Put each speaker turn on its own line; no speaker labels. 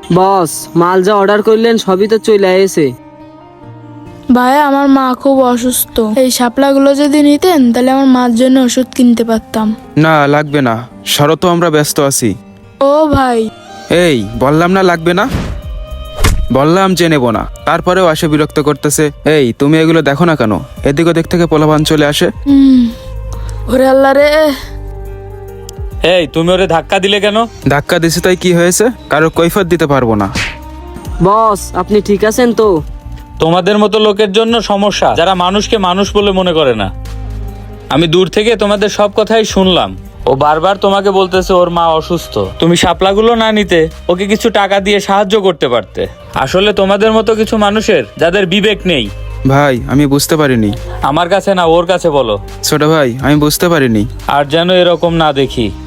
বস, মাল যা অর্ডার করলেন সবই তো চলে এসে।
ভাইয়া আমার মা খুব অসুস্থ, এই শাপলাগুলো যদি নিতেন তাহলে আমার মার জন্য ওষুধ কিনতে পারতাম।
না লাগবে না, সরো তো, আমরা ব্যস্ত আছি।
ও ভাই,
এই বললাম না লাগবে না, বললাম যে নেবো না, তারপরেও আসে বিরক্ত করতেছে। এই তুমি এগুলো দেখো না কেন? এদিক ওদিক থেকে পোলাপান চলে আসে।
ওরে আল্লাহ রে।
এই তুমি ওরে ধাক্কা দিলে কেন?
ধাক্কা দিছে তাই কি হয়েছে? কারো কৈফিয়ত দিতে পারবো না।
বস, আপনি ঠিক আছেন তো?
তোমাদের মতো লোকের জন্য সমস্যা, যারা মানুষকে মানুষ বলে মনে করে না। আমি দূর থেকে তোমাদের সব কথাই শুনলাম। ও বারবার তোমাকে বলতেছে ওর মা অসুস্থ, তুমি শাপলাগুলো না নিতে ওকে কিছু টাকা দিয়ে সাহায্য করতে পারতে। আসলে তোমাদের মতো কিছু মানুষের যাদের বিবেক নেই।
ভাই আমি বুঝতে পারিনি।
আমার কাছে না, ওর কাছে বলো।
ছোট ভাই আমি বুঝতে পারিনি।
আর যেন এরকম না দেখি।